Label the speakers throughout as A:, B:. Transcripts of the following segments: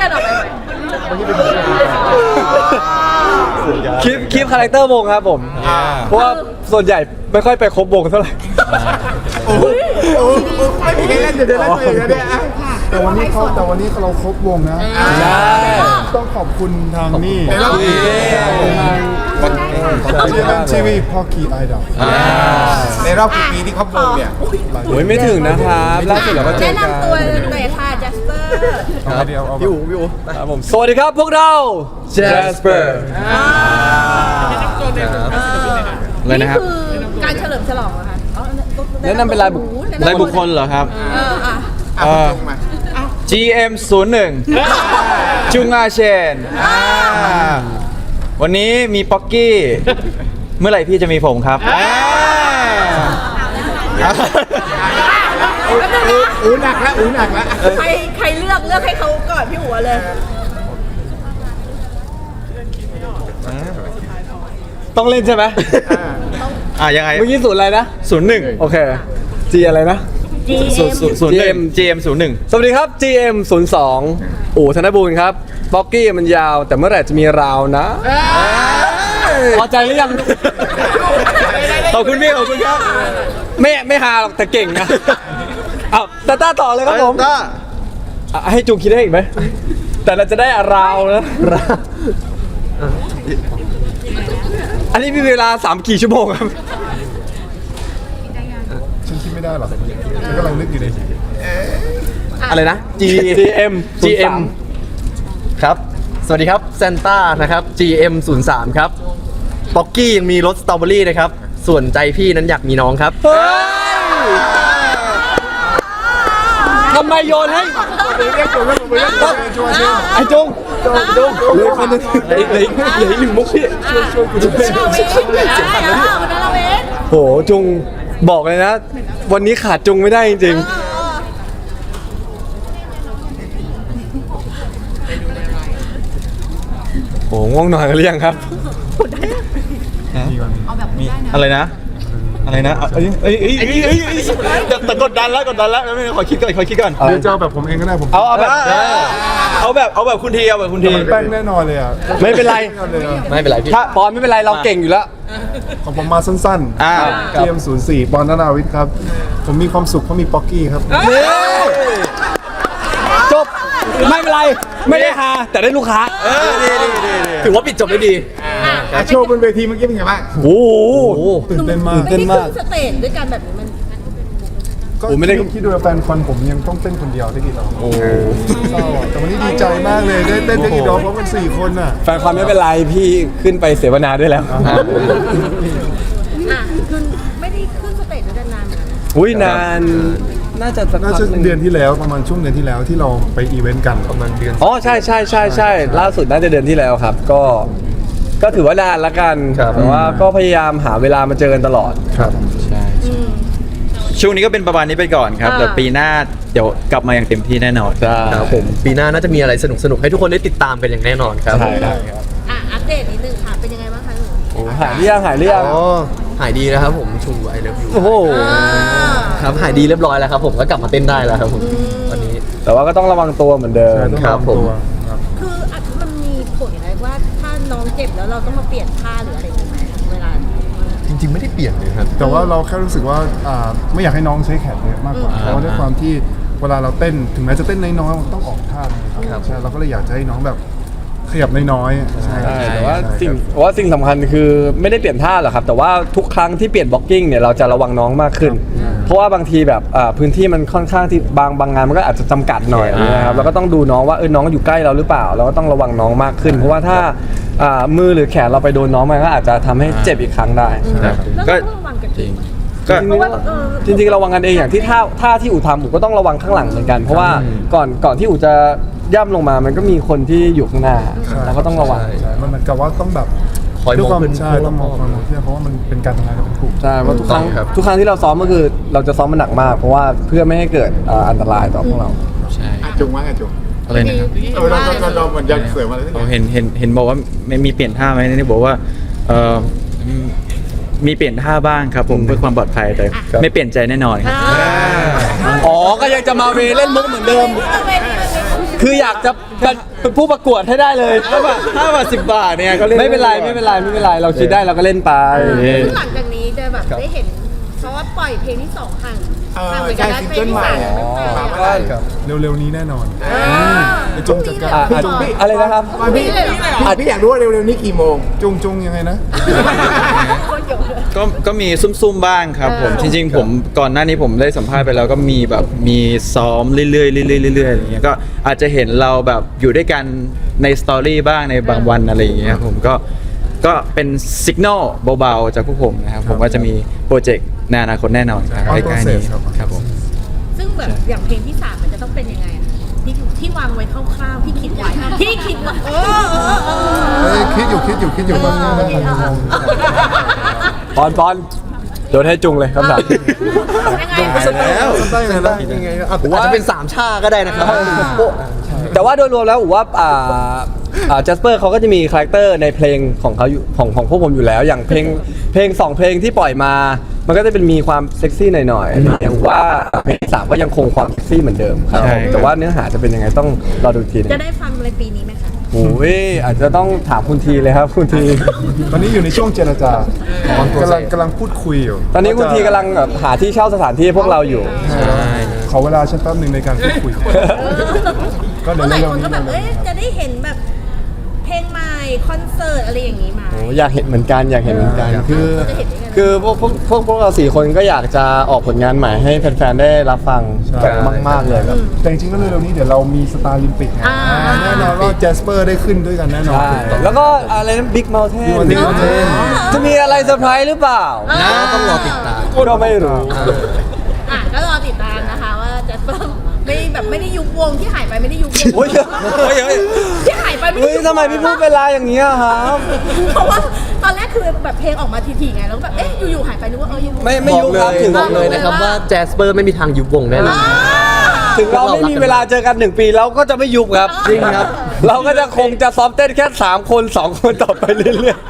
A: ดินออกไปไหม
B: คลิปคาแรคเตอร์วงครับผมเพราะว่าส่วนใหญ่ไม่ค่อยไปครบวงเท่าไหร่
C: โอ้ไม่มีใครเล่นเดี๋ยวเล่นตัวเองนะเนี่ยแต่วันนี้เราครบวงนะ
B: ใช่
C: ต้องขอบคุณทางนี่
D: ในรอบนี้
C: ทีวีพ่อคีไอดอล
D: ในรอบกี่ปีที่ครอบวงเนี่ย
B: โอ้ยไม่ถึงนะครับล่าสุดเราก็เจอ
A: แนะ
B: กัน
A: นำตัวเลยค่ะจัสเปอร์
C: เอาเดียวเอาพี่อู๋
B: ครับผมสวัสดีครับพวกเรา Jasper
A: อะไรนะครับนี่คือการเฉลิมฉลองเหรอคะ
B: แนะนำเป็นรายบุคคลเหรอครับ
D: มา
B: GM 01จุงอาเชนวันนี้มีป๊อกกี้ เมื่อไหร่พี่จะมีผมครับ
D: อูหนักแล้วอูหนักแล้ว
A: ใครเลือกให้เขาก่อนพี่หัวเลย
B: ต้องเล่นใช่ไหม
E: ยังไง
B: เมื่อกี้ศูนย์อะไรนะ
E: 01
B: โอเค G อะไรนะ
E: GM 01
B: สวัสดีครับ GM 02อู่ธนบูรณ์ครับป๊อกกี้มันยาวแต่เมื่อไหร่จะมีราวนะพอใจหรือยัง
E: ขอบคุณพี่ขอบคุณครับ
B: ไม่ฮาหรอกแต่เก่งนะเอาตาต้าต่อเลยครับผม
E: ต้า
B: ให้จูงคิดได้อีกไหม แต่เราจะได้ราวนะราวอันนี้มีเวลา3 กี่ชั่วโมงครับ
C: ฉันคิดไม่ได้หรอกฉันกำลังนึกอยู่ใน
E: อะไรนะ
B: GM
E: ครับ สวัสดีครับเซนต้านะครับ GM 03ครับป๊อกกี้ยังมีรสสตรอเบอรี่นะครับ ส่วนใจพี่นั้นอยากมีน้องครับ
B: เฮ้ยทำไมโยนให้ไอ้จุงเหลือคนนึงเหลืออีก1 มุกพี่ช่วยกูด้วย
A: เราเอง
B: โหจุงบอกเลยนะ วันนี้ขาดจุงไม่ได้จริงๆโหง่วงนอนกันหรือยังครับ
E: อะไรนะ อะไรนะแต่กดดันแล้วไม่ขอคิดก่อน
C: เดี๋ยวจะเอาแบบผมเองก็ได้ผม
B: เอาแบบ
E: เอาแบบคุณที
C: มันแป้งแน่นอนเลยอ่ะ
B: ไม่เป็นไร
E: ไม่เป็นไรพี่
B: ถ้าปอนไม่เป็นไรเราเก่งอยู่แล้ว
C: ของผมมาสั้นๆเกม04ปอนนาวิทย์ครับ ผมมีความสุขเพราะมีป๊อกกี้ครับ
B: จบไม่เป็นไรไม่ได้ฮาแต่ได้ลูกค้า
E: ดีถือว่าปิดจบได้ดี
D: โชว์บนเวทีเมื่อกี้เป็นไงบ้าง
B: โอ้โห
C: ตื่นเต้นมาก
A: ไม่ได้ขึ้นสเตจด้วยกันแบบนี้มัน
C: ก็
B: ผมไม่ได้
C: คิดดูว่าแฟนคอนผมยังต้องเต้นคนเดียวได้กี่รอบเศร้าอ่ะแต่วันนี้ดีใจมากเลยได้เต้นได้กี่รอบเพราะมัน4 คนอ่ะ
B: แฟนความไม่เป็นไรพี่ขึ้นไปเสวนาด้วยแล้ว
A: คือไม่ได้ขึ้นสเตจด้วยกันนานเหมือนกันนะ
B: อุ้ยนานน่าจะสัก
C: น่า
B: พัก
C: จะ
B: หนึ่ง
C: เดือนที่แล้วประมาณช่วงเดือนที่แล้วที่เราไปอีเวนต์กันประมาณเดือน
B: อ๋อใช่ล่าสุดน่าจะเดือนที่แล้วครับ ก็ถือว่านานละกันแต่ว่าก็พยายามหาเวลามาเจอกันตลอด
C: ครับ
E: ช่วงนี้ก็เป็นประมาณนี้ไปก่อนครับแต่ปีหน้าเดี๋ยวกลับมาอย่างเต็มที่แน่นอน
F: ครับผมปีหน้าน่าจะมีอะไรสนุกๆให้ทุกคนได้ติดตามกันอย่างแน่นอนครับ
B: ใช่ครับ
A: อัปเดตนิดนึงค่ะ เป็นยังไงบ้างคะหนู
B: โอ้หายเรียง
F: อ๋อหายดีนะครับผมชูไอเลิฟยู
B: โอ้โห
F: ครับหายดีเรียบร้อยแล้วครับผมก็กลับมาเต้นได้แล้วครับผมตอนนี้
B: แต่ว่าก็ต้องระวังตัวเหมือนเดิม
C: ใช่ต้อง
F: ครั
C: ระ
F: บ
C: วัง
F: ผม
C: ตัวครับ
A: คือมันมีผลอะไรว่าถ้าน้องเจ็บแล้วเราต้องมาเปลี่ยนท่าหรืออะไรอย่างเงี้ยไหมเวลา
F: จริงๆไม่ได้เปลี่ยนเลยครับ
C: แต่ว่าเราแค่รู้สึกว่าไม่อยากให้น้องใช้แขนเยอะมากกว่าเพราะว่าด้วยความที่เวลาเราเต้นถึงแม้จะเต้นน้อยๆมันต้องออกท่านะครับใช่เราก็เลยอยากจะให้น้องแบบขยับน้อยๆใช่
B: ใช่แต่ว่าสิ่งสำคัญคือไม่ได้เปลี่ยนท่าหรอกครับ แต่ว่าทุกครั้งที่เปลี่ยนบล็อกกิ้งเนี่ยเราจะระวังน้องมากขึ้น เพราะว่าบางทีแบบพื้นที่มันค่อนข้างที่บางงานมันก็อาจจะจำกัดหน่อยนะครับเราก็ต้องดูน้องว่าน้องอยู่ใกล้เราหรือเปล่าเราก็ต้องระวังน้องมากขึ้น เพราะว่าถ้ามือหรือแขนเราไปโดนน้องมันก็อาจจะทำให้เจ็บอีกครั้งได้
A: แล้ว
E: ก็
A: เราต้องระวังกันจริง
E: ก็
A: เพราะว่า
B: จริงๆระวังกันเองอย่างที่ท่าที่อู่ทำอู่ก็ต้องระวังข้างหลังเหมือนกัน เพราะว่าก่อนที่อู่จะย่ำลงมามันก็มีคนที่อยู่ข้างหน้าเราก็ต้องระวัง
C: ใช่มันเหมือนกับว่าต้องแบบ
F: คอยมอง
C: ด้วยความ
F: ขึ้น
C: ใช่ต้องมองความเพื่อนเพราะว่ามันเป็นการทำงานกันเป็นกลุ่ม
B: ใช่เพราะทุกครั้ง
F: ถูกต้องครับ
B: ทุกครั้งที่เราซ้อมก็คือเราจะซ้อมมันหนักมาก เพราะว่าเพื่อไม่ให้เกิดอันตรายต่อพวกเรา
E: ใช่
D: จุงว่าไงจุง
E: อะไรนะครับ
D: เราเหมือนยันเสือมาเลย
E: เราเห็นบอกว่าไม่มีเปลี่ยนท่าไหมนี่บอกว่ามีเปลี่ยนท่าบ้างครับผมเพื่อความปลอดภัยแต่ไม่เปลี่ยนใจแน่นอนครับ
B: อ๋อก็ยังจะมาเวเล่นมุกเหมือนเดิมคืออยากจะเป็นผู้ประกวดให้ได้เลย
E: 5 บาท 10 บาทเนี่ยก็เล่น
B: ไม่เป็นไรเราคิดได้เราก็เล่นไป
A: ซึ่งหลังจากนี้จะแบบได้เห็นเพราะว่าปล่อยเพลงที่2ห่างห่างไปกันแล้วเพลงที่3ยังไม่ปล่อย
D: มา
A: อะ
D: ได้
C: เร็วๆนี้แน่นอน
A: จงจัดการ
B: อะไรนะครับ
D: พี่อยากรู้ว่าเร็วๆนี้กี่โมง
C: จุงยังไงนะ
G: ก็มีซุ่มๆบ้างครับผมจริงๆผมก่อนหน้านี้ผมได้สัมภาษณ์ไปแล้วก็มีแบบมีซ้อมเรื่อยๆเรื่อยๆเรื่อยๆอย่างเงี้ยก็อาจจะเห็นเราแบบอยู่ด้วยกันในสตอรี่บ้างในบางวันอะไรอย่างเงี้ยผมก็เป็นสัญญาณเบาๆจากพวกผมนะครับผมว่าจะมีโปรเจกต์ในอนาคตแน่นอนครับ
C: ครับ
G: ใกล้ๆนี้
C: ครับ
G: ครับผม
A: ซึ่งแบบอย่างเพลงที่3มันจะต้องเป็นยังไงอะที่วางไว้คร่าวๆที่คิดไว้
C: คิดอยู่บ้างนะ
B: ปอนโดนให้จุงเลยคำถาม
A: ยังไง
E: แล้ว
C: ได้ไงล่ะ
E: ยังไงอาจจะเป็น3ชาก็ได้นะครับ
B: แต่ว่าโดยรวมแล้วผมว่าจัสเปอร์เขาก็จะมีคาแรคเตอร์ในเพลงของเขาอยู่ของพวกผมอยู่แล้ว อย่างเพลง2เพลงที่ปล่อยมา มันก็จะเป็นมีความเซ็กซี่หน่อยๆอย่างว่าเพลงที่3ก็ยังคงความเซ็กซี่เหมือนเดิมครับ
G: ใช่
B: แต่ว่าเนื้อหาจะเป็นยังไงต้องรอดูอีกทีนึง
A: จะได้ฟังในปีนี้ไหมคะ
B: โอ้ยอาจจะต้องถามคุณทีเลยครับคุณที
C: ตอนนี้อยู่ในช่วงเจรจากำลังพูดคุยอยู่
B: ตอนนี้คุณทีกำลังแบบหาที่เช่าสถานที่ให้พวกเราอยู่
C: ขอเวลาฉันแป๊บหนึ่งในการพูดคุย ก็
A: เพ
C: เดี๋ยว
A: ราะหลาย
C: เร็ว
A: คน
C: ๆนี้
A: ก็แบบจะได้เห็นแบบเพลงใหม่คอนเสิร์ตอะไรอย่างนี้มา
B: โอ้อยากเห็นเหมือนกันคือ
A: จะเห็นได้ไง
B: คือพวกเรา4 คนก็อยากจะออกผลงานใหม่ให้แฟนๆได้รับฟังแบบมากๆเลยแบบ
C: แต่จริงๆก็เร็วๆนี้เดี๋ยวเรามีสตาร์ลิมปิกนะแน่นอนว่าแจสเปอร์ได้ขึ้นด้วยกันแน่นอน
B: ใช่แล้วก็อะไรนะบิ๊กเมลเทน
C: Big Mountain
B: จะมีอะไรเซอร์ไพรส์หรือเปล่า
E: นะต้องรอติดตาม
B: ก็ไม่รู้
A: ก็รอติดตามนะคะว่าจะไม่ได้ยุบวงที่หายไปไม่ได้ยุบวง
B: โอ้ย
A: ที่หายไปไม่ได้
B: เฮ้ย
A: ยุบวง
B: ทำไมพี่พูดเวลาอย่างนี้อะครับ
A: เพราะว่าตอนแรกคือแบบเพลงออกมาทีๆไงแล้วแบบอยู่ๆหายไปนึกว่ายุบวง
B: ไม่ยุบครับถึง
E: บอกเลยนะครับว่าแจสเปอร์ไม่มีทางยุบวงแน่นอน
B: ถึงเราไม่มีเวลาเจอกัน1 ปีเราก็จะไม่ยุบครับ
E: จริงครับ
B: เราก็จะคงจะซ้อมเต้นแค่3 คน 2 คนต่อไปเรื่อย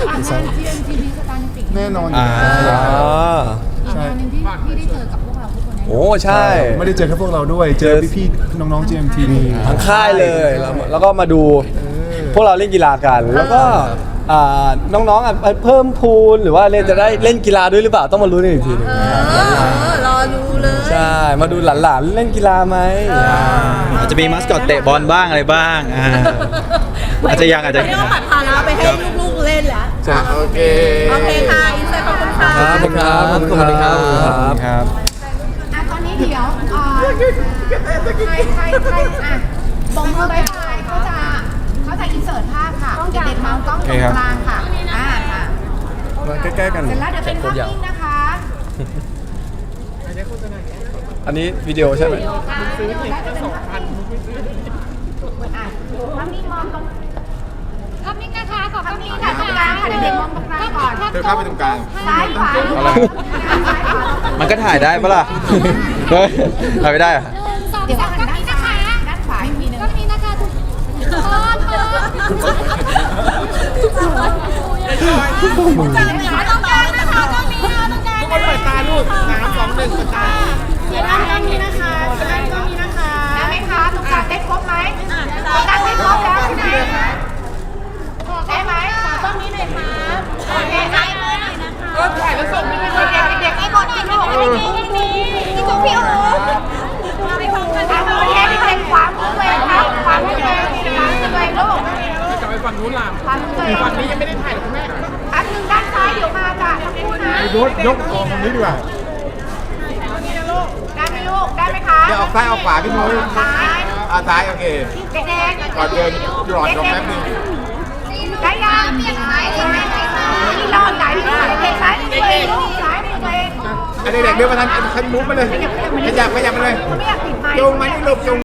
C: แน่นอน
B: ๆ
C: ใช่
B: โอ้ใช่
C: ไม่ได้เจอแค่พวกเราด้วย เจอพี่ๆน้องๆ GMT
B: ทั้งค่ายเลยแล้วก็มาดูพวกเราเล่นกีฬากัน แล้วก็น้องๆเพิ่มพูนหรือว่าจะได้เล่นกีฬาด้วยหรือเปล่าต้องมารู้นอีกทีหนึง
A: รอดูเลย
B: ใช่มาดูหลานๆเล่นกีฬาไหม
G: อาจจะมีมัสคอตเตะบอลบ้างอะไรบ้างอาจจะยัง
A: ไม่ได้ว่าปัดภาระไปให้ลูกๆเล่นแล้ว
D: โอเค
A: โอเคค่ะอินเตอร์ขอบคุณค่ะ
B: ขอบคุณครับ
E: ขอบคุณครับ
B: ครับ
H: ตอนนี้เดี๋ยวใครบอกมือบายบายเขาจะอินเสิร์ตภาพค่ะเด็กๆมองกล้องตรงกลางค่ะค่ะ
C: ใกล้ๆกัน
H: เสร็จแล้วเดี๋ยวเป็นภาพนิ่งนะคะ
B: อันนี้วิดีโอใช่ไหม
H: ภาพนิ่งมองตรงภาพนิ่งนะคะขอภาพนิ่งค่ะตรงกลางค่ะเด็กๆมองตรงกลางก่อน
D: เธอเข้าไปตรงกลาง
H: ซ้ายขวา
G: มันก็ถ่ายได้ปะล่ะเฮ้ยถ่ายไม่ได้อะ
H: เดี๋ยวหันด้านซ้ายด้านขวาอีกทีนึงก็มีนะคะทุกคนจังเลยตรงกลางนะคะตรงนี้ตรงกลางทุกคนเปิดตาลูก3 2 1เปิดตาเดี๋ยวด้านนี้นะคะด้านนี้นะคะได้ไหมคะตรงกลางได้ครบไหมตรงกลางได้ครบแล้วใช่ไหมได้ไหมขอต้องนี้หน่อยค่ะโอเคได้เลยนะคะก็ถ่ายแล้วส่งให้เด็กๆให้หมดที่ลูกที่จุ๊บพี่โอ๋ไปพร้อมกันค่ะโอเคเด็กๆขวามือเลยครับขวามือเลยขวามือเลยลูกจะไปฝั่งนู้นล่ะขวามือเลยฝั่งนี้ยังไม่ได้ถ่ายหรอกคุณแม่อันหนึ่งด้านซ้ายเดี๋ยวมาจ้ะทั้งคู่นะ
C: ยกกองตรงนี้ดีกว่า
H: ได้ไหมลูกได้ไหมคะ
D: เดี๋ยวออกซ้ายออกขวาพี่นุ้ย
H: ซ้าย
D: ซ้ายโอเค
H: เด็กๆ
D: ก่อนเดินหลอดลงแป๊บนึง
H: ได้ยังเปลี่ยนซ้ายเลยนี่รอดไหนเด็กๆซ้ายตัวเองลูกซ้ายตัวเอง
D: เด็กๆเดินมาทางคันมุ้งมาเลยขยับมาเลย
H: ไม่อยากปิดไมค์
D: จงมานี่ลูกจง